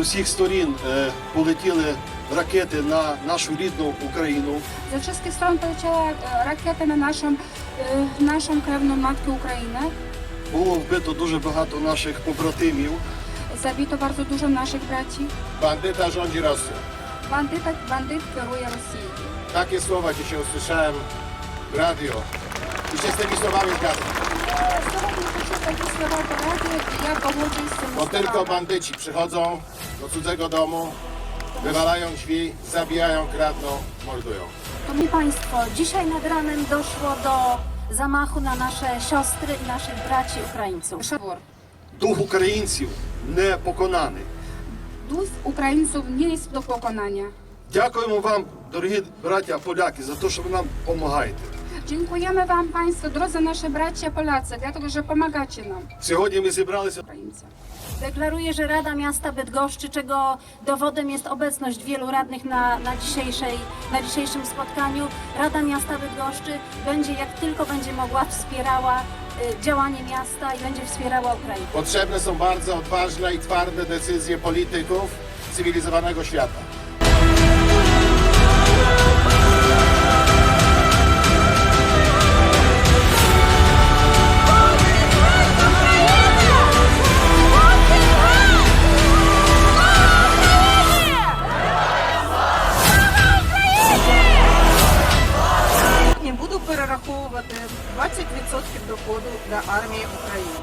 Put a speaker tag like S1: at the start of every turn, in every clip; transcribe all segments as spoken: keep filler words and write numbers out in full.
S1: усіх сторін е, полетіли ракети на нашу рідну Україну.
S2: Ze wszystkich stron poleciała e, rakieta na naszą, e, naszą krewną matkę Ukrainę.
S1: Було вбито дуже багато наших побратимів.
S2: Zabito bardzo dużo naszych braci.
S3: Bandyta rządzi Rosją.
S2: Bandyta, bandyt kieruje Rosją.
S3: Takie słowa dzisiaj usłyszałem w radio i się z tymi słowami zgadzam.
S2: Сьогодні почув такі слова по радіо, і я погоджуюсь з цими
S3: Bo tylko
S2: словами.
S3: bandyci przychodzą do cudzego domu, wywalają drzwi, zabijają, kradną, mordują.
S4: Szanowni Państwo, dzisiaj nad ranem doszło do zamachu na nasze siostry i naszych braci Ukraińców.
S2: Шабор.
S1: Дух українців не поконаний.
S2: Дух українців не є до поконання.
S1: Дякуємо вам, дорогі браття поляки, за те, що ви нам допомагаєте.
S2: Dziękujemy Wam Państwo, drodzy nasi bracia Polacy, dlatego że pomagacie nam,
S1: Сьогодні ми зібралися.
S2: Ukraińcy.
S4: Deklaruję, że Rada Miasta Bydgoszczy, czego dowodem jest obecność wielu radnych na, na, dzisiejszej, na dzisiejszym spotkaniu, Rada Miasta Bydgoszczy będzie jak tylko będzie mogła wspierała y, działanie miasta i będzie wspierała Ukrainę.
S3: Potrzebne są bardzo odważne i twarde decyzje polityków cywilizowanego świata.
S5: Не буду перераховувати двадцять відсотків доходу для армії України.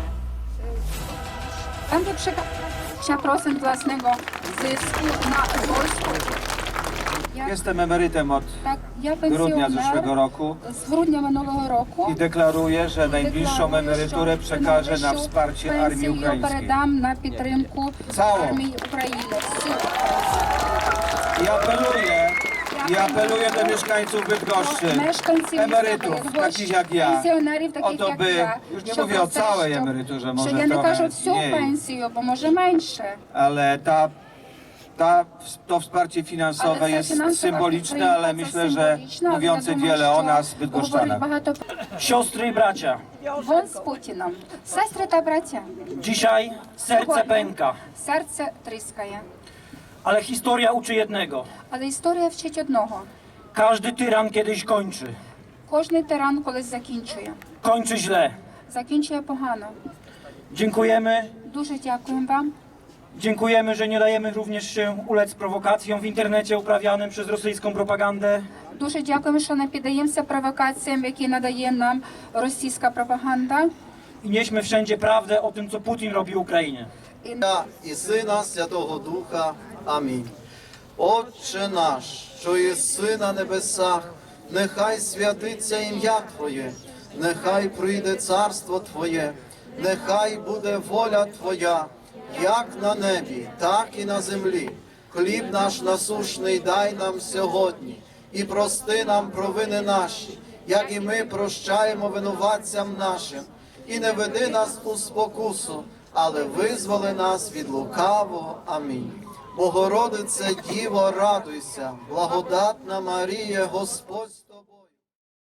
S2: Będę przekazać dwadzieścia procent własnego zysku na wojsko. Ja,
S6: Jestem emerytem od
S2: tak, ja
S6: grudnia zeszłego
S2: pensjoner
S6: roku
S2: z grudnia minionego roku.
S6: i deklaruję, że najbliższą
S2: Deklaruję,
S6: emeryturę
S2: że
S6: przekażę na
S2: najbliższą
S6: wsparcie
S2: pensję
S6: armii ukraińskiej.
S2: передам на підтримку
S6: Całą.
S2: армії України. Всю.
S6: I apeluję, i apeluję do mieszkańców Bydgoszczy,
S2: Мешканців
S6: emerytów,
S2: міста
S6: takich jak ja,
S2: пенсіонерів,
S6: o
S2: таких
S6: to
S2: як
S6: by,
S2: я,
S6: już nie
S2: щоб
S6: mówię o
S2: це,
S6: całej
S2: щоб-
S6: emeryturze,
S2: що
S6: może
S2: я не
S6: trochę
S2: кажу всю
S6: mniej,
S2: пенсію, бо може менше.
S6: ale ta, ta, to wsparcie finansowe
S2: Але це
S6: jest
S2: фінансова
S6: symboliczne,
S2: підтримка,
S6: ale
S2: це
S6: myślę, że
S2: символічно, але
S6: mówiące
S2: я думаю,
S6: wiele o
S2: що
S6: nas,
S2: говорить
S6: bydgoszczanach.
S2: багато.
S7: Siostry i bracia,
S2: Вон з Путіном. Сестри та браття.
S7: dzisiaj serce pęka,
S2: Серце тріскає.
S7: ale historia uczy jednego.
S2: Але історія вчить одного.
S7: Każdy tyran kiedyś kończy.
S2: Кожний тиран колись закінчує.
S7: Kończy źle.
S2: Закінчує погано.
S7: Dziękujemy.
S2: Дуже дякуємо вам.
S7: Dziękujemy, że nie dajemy również się ulec prowokacjom w internecie uprawianym przez rosyjską propagandę.
S2: Дуже дякуємо, що не піддаємося провокаціям, які надає нам російська пропаганда.
S7: I nieśmy wszędzie prawdę o tym, co Putin robi Ukrainie.
S8: Отця і Сина Святого Духа. Амінь. Отче наш, що єси на небесах, нехай святиться ім'я Твоє, нехай прийде царство Твоє, нехай буде воля Твоя, як на небі, так і на землі. Хліб наш насушний дай нам сьогодні, і прости нам провини наші, як і ми прощаємо винуватцям нашим. І не веди нас у спокусу, але визволи нас від лукавого. Амінь. Богородице, Діво, радуйся, благодатна Марія, Господь з тобою.